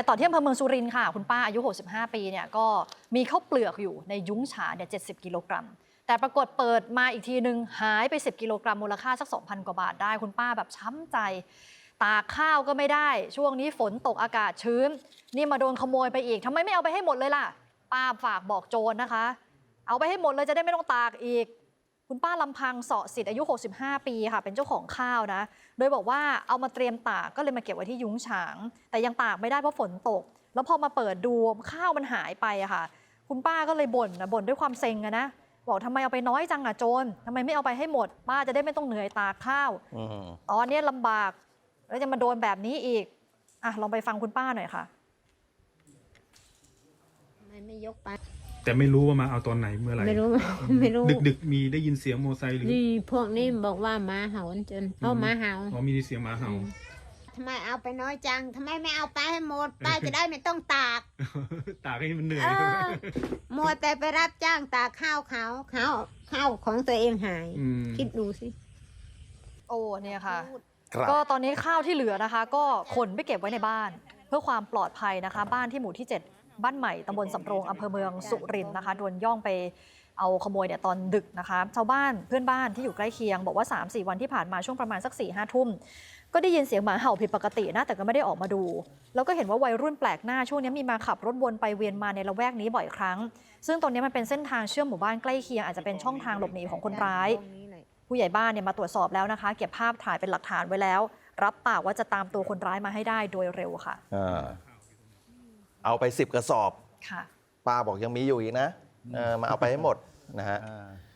ต่อที่อำเภอเมืองสุรินทร์ค่ะคุณป้าอายุ65ปีเนี่ยก็มีข้าวเปลือกอยู่ในยุ้งฉางเนี่ย70 กิโลกรัมแต่ปรากฏเปิดมาอีกทีนึงหายไป10 กิโลกรัมมูลค่าสัก 2,000 กว่าบาทได้คุณป้าแบบช้ำใจตากข้าวก็ไม่ได้ช่วงนี้ฝนตกอากาศชื้นนี่มาโดนขโมยไปอีกทำไมไม่เอาไปให้หมดเลยล่ะป้าฝากบอกโจรนะคะเอาไปให้หมดเลยจะได้ไม่ต้องตากอีกคุณป้าลำพังเสาะสิทธิ์อายุ65ปีค่ะเป็นเจ้าของข้าวนะโดยบอกว่าเอามาเตรียมตากก็เลยมาเก็บไว้ที่ยุ้งฉางแต่ยังตากไม่ได้เพราะฝนตกแล้วพอมาเปิดดูข้าวมันหายไปอะค่ะคุณป้าก็เลยบ่นด้วยความเซ็งนะบอกทำไมเอาไปน้อยจังอะโจรทำไมไม่เอาไปให้หมดป้าจะได้ไม่ต้องเหนื่อยตากข้าวตอนนี้ลำบากแล้วจะมาโดนแบบนี้อีกลองไปฟังคุณป้าหน่อยค่ะไม่ยกไปแต่ไม่รู้ว่ามาเอาตอนไหนเมื่อไหร่ไม่รู้ดึกมีได้ยินเสียงมอไซค์หรือนี่พวกนี้บอกว่าหมาเห่าจนเอาหมาเห่ามีเสียงหมาเห่าทำไมเอาไปน้อยจังทำไมไม่เอาไปให้หมดป้าจะได้ไม่ต้องตากตากให้มันเหนื่อยมัวแต่ไปรับจ้างตากข้าวของตัวเองหายคิดดูสิโอ้เนี่ยค่ะก็ตอนนี้ข้าวที่เหลือนะคะก็ขนไปเก็บไว้ในบ้านเพื่อความปลอดภัยนะคะบ้านที่หมู่ที่7บ้านใหม่ตำบลสำโรงอำเภอเมืองสุรินทร์นะคะโดนย่องไปเอาขโมยเนี่ยตอนดึกนะคะชาวบ้านเพื่อนบ้านที่อยู่ใกล้เคียงบอกว่า 3-4 วันที่ผ่านมาช่วงประมาณสัก 4-5 ทุ่มก็ได้ยินเสียงหมาเห่าผิดปกตินะแต่ก็ไม่ได้ออกมาดูแล้วก็เห็นว่าวัยรุ่นแปลกหน้าช่วงนี้มีมาขับรถวนไปเวียนมาในละแวกนี้บ่อยครั้งซึ่งตรงนี้มันเป็นเส้นทางเชื่อมหมู่บ้านใกล้เคียงอาจจะเป็นช่องทางหลบหนีของคนร้ายผู้ใหญ่บ้านเนี่ยมาตรวจสอบแล้วนะคะเก็บภาพถ่ายเป็นหลักฐานไว้แล้วรับปากว่าจะตามตัวคนร้ายมาให้ได้โดยเร็วค่ะเอาไป10 กระสอบป้าบอกยังมีอยู่อีกนะมาเอาไปให้หมดนะฮะ